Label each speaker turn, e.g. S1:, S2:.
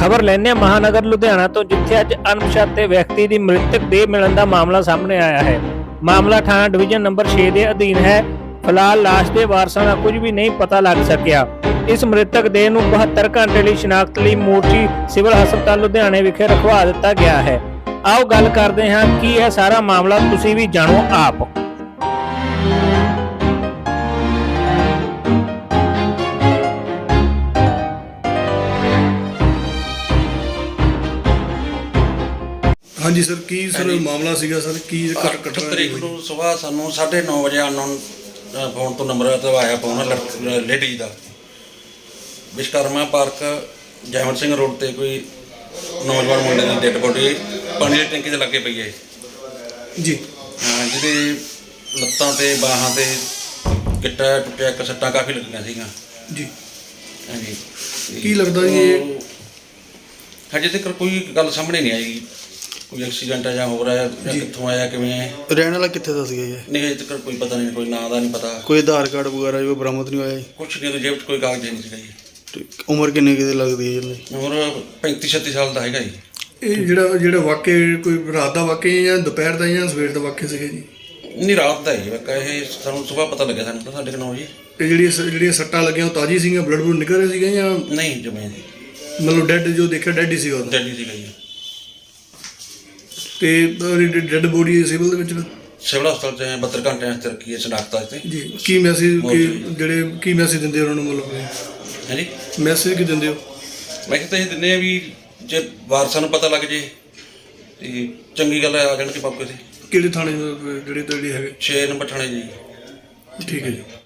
S1: ਖਬਰ ਲੈਣੇ ਮਹਾਨਗਰ ਲੁਧਿਆਣਾ ਤੋਂ, ਜਿੱਥੇ ਅੱਜ ਅਣਪਛਾਤੇ ਵਿਅਕਤੀ ਦੀ ਮ੍ਰਿਤਕ ਦੇਹ ਮਿਲਣ ਦਾ ਮਾਮਲਾ ਸਾਹਮਣੇ ਆਇਆ ਹੈ। ਮਾਮਲਾ ਥਾਣਾ ਡਿਵੀਜ਼ਨ ਨੰਬਰ 6 ਦੇ ਅਧੀਨ ਹੈ। ਫਿਲਹਾਲ ਲਾਸ਼ ਦੇ ਵਾਰਸਾਂ ਦਾ ਕੁਝ ਵੀ ਨਹੀਂ ਪਤਾ ਲੱਗ ਸਕਿਆ। ਇਸ ਮ੍ਰਿਤਕ ਦੇਹ ਨੂੰ 72 ਘੰਟੇ ਲਈ ਸ਼ਨਾਖਤ ਲਈ ਮੋਰਚੀ ਸਿਵਲ ਹਸਪਤਾਲ ਲੁਧਿਆਣੇ ਵਿਖੇ ਰਖਵਾ ਦਿੱਤਾ ਗਿਆ ਹੈ। ਆਓ ਗੱਲ ਕਰਦੇ ਹਾਂ ਕੀ ਹੈ ਸਾਰਾ ਮਾਮਲਾ, ਤੁਸੀਂ ਵੀ ਜਾਣੋ ਆਪ।
S2: हाँ जी सर, की सर मामला सीगा सर, की
S3: 8 तरीक ਨੂੰ ਸਵੇਰ ਸਾਨੂੰ 9:30 ਵਜੇ ਅਨਨੋਨ ਫੋਨ ਤੋਂ ਨੰਬਰ ਤੋਂ ਆਇਆ ਫੋਨ ਲੇਡੀ ਦਾ ਵਿਸ਼ਕਰਮਾ ਪਾਰਕ ਜੈਮਲ ਸਿੰਘ ਰੋਡ ਤੇ ਕੋਈ ਨੌਜਵਾਨ ਮੁੰਡੇ ਦੀ ਡੈਡ ਬੋਡੀ ਪਾਣੀ ਦੀ ਟੈਂਕੀ ਦੇ ਲੱਗੇ ਪਈ ਹੈ
S2: ਜੀ।
S3: ਹਾਂ, ਜਿਹਦੇ ਲੱਤਾਂ ਤੇ ਬਾਹਾਂ ਤੇ ਗਿੱਟਾ ਟੁੱਟਿਆ, ਇੱਕ ਸੱਟਾਂ ਕਾਫੀ ਲੱਗੀਆਂ ਸੀਗੀਆਂ
S2: ਜੀ।
S3: ਹਾਂਜੀ,
S2: ਕੀ ਲੱਗਦਾ ਜੀ ਇਹ
S3: ਹਜੇ ਤੱਕ ਕੋਈ ਗੱਲ ਸਾਹਮਣੇ ਨਹੀਂ ਆਈ, ਕੋਈ ਐਕਸੀਡੈਂਟ ਹੈ ਜਾਂ ਹੋ ਰਿਹਾ ਜਾਂ ਕਿੱਥੋਂ ਆਇਆ ਕਿਵੇਂ ਹੈ।
S4: ਰਹਿਣ ਵਾਲਾ ਕਿੱਥੇ ਦਾ ਸੀਗਾ ਜੀ?
S3: ਨਹੀਂ ਹਜੇ ਤੱਕ ਕੋਈ ਪਤਾ ਨਹੀਂ, ਕੋਈ ਨਾਂ ਦਾ ਨਹੀਂ ਪਤਾ,
S4: ਕੋਈ ਆਧਾਰ ਕਾਰਡ ਵਗੈਰਾ ਜੋ ਬਰਾਮਦ ਨਹੀਂ ਹੋਇਆ ਜੀ?
S3: ਕੁਛ ਨਹੀਂ, ਜੇਬ 'ਚ ਕੋਈ ਕਾਗਜ਼ ਨਹੀਂ ਸੀਗਾ ਜੀ।
S4: ਠੀਕ। ਉਮਰ ਕਿੰਨੀ ਕਿਤੇ ਲੱਗਦੀ ਹੈ ਜੀ?
S3: ਉਮਰ 35-36 ਸਾਲ ਦਾ ਹੈਗਾ ਜੀ।
S2: ਇਹ ਜਿਹੜਾ ਵਾਕਿਆ ਕੋਈ ਰਾਤ ਦਾ ਵਾਕਿਆ ਜਾਂ ਦੁਪਹਿਰ ਦਾ ਜਾਂ ਸਵੇਰ ਦਾ ਵਾਕਿਆ ਸੀਗਾ ਜੀ?
S3: ਨਹੀਂ, ਰਾਤ ਦਾ ਹੀ ਵਾਕਿਆ ਇਹ, ਸਾਨੂੰ ਸੁਬਾਹ ਪਤਾ ਲੱਗਿਆ, ਸਾਨੂੰ ਤਾਂ 9:30 ਵਜੇ।
S2: ਇਹ ਜਿਹੜੀਆਂ ਸੱਟਾਂ ਲੱਗੀਆਂ ਉਹ ਤਾਜ਼ੀ ਸੀਗੀਆਂ, ਬਲੱਡ ਬਲੂਡ ਨਿਕਲ ਰਿਹਾ ਸੀਗਾ ਜਾਂ
S3: ਨਹੀਂ ਜਮੇ
S2: ਮਤਲਬ ਡੈਡ ਜੋ ਦੇਖਿਆ ਡੈਡ ਹੀ ਸੀਗਾ?
S3: ਡੈਡੀ ਸੀਗਾ ਜੀ।
S2: ਤੇ ਡੈਡ ਬੋਡੀ ਸਿਵਲ ਦੇ ਵਿੱਚ
S3: ਸਿਵਲ ਹਸਪਤਾਲ 'ਚ 72 ਘੰਟਿਆਂ ਵਾਸਤੇ ਰੱਖੀ ਹੈ ਸ਼ਨਾਖਤ ਵਾਸਤੇ
S2: ਜੀ। ਕੀ ਮੈਸੇਜ ਕੀ ਮੈਸੇਜ ਦਿੰਦੇ ਹੋ ਉਹਨਾਂ ਨੂੰ, ਮਤਲਬ
S3: ਹਾਂਜੀ
S2: ਮੈਸੇਜ ਕੀ ਦਿੰਦੇ ਹੋ?
S3: ਮੈਂ ਕਿਹਾ ਤਾਂ ਇਹ ਦਿੰਦੇ ਆ ਵੀ ਜੇ ਵਾਰਸਾਂ ਨੂੰ ਪਤਾ ਲੱਗ ਜੇ ਤੇ ਚੰਗੀ ਗੱਲ ਆ ਜਾਣਗੇ ਮੌਕੇ 'ਤੇ।
S2: ਕਿਹੜੇ ਥਾਣੇ ਜਿਹੜੇ ਹੈਗੇ?
S3: 6 ਨੰਬਰ ਥਾਣੇ ਜੀ।
S2: ਠੀਕ ਹੈ ਜੀ।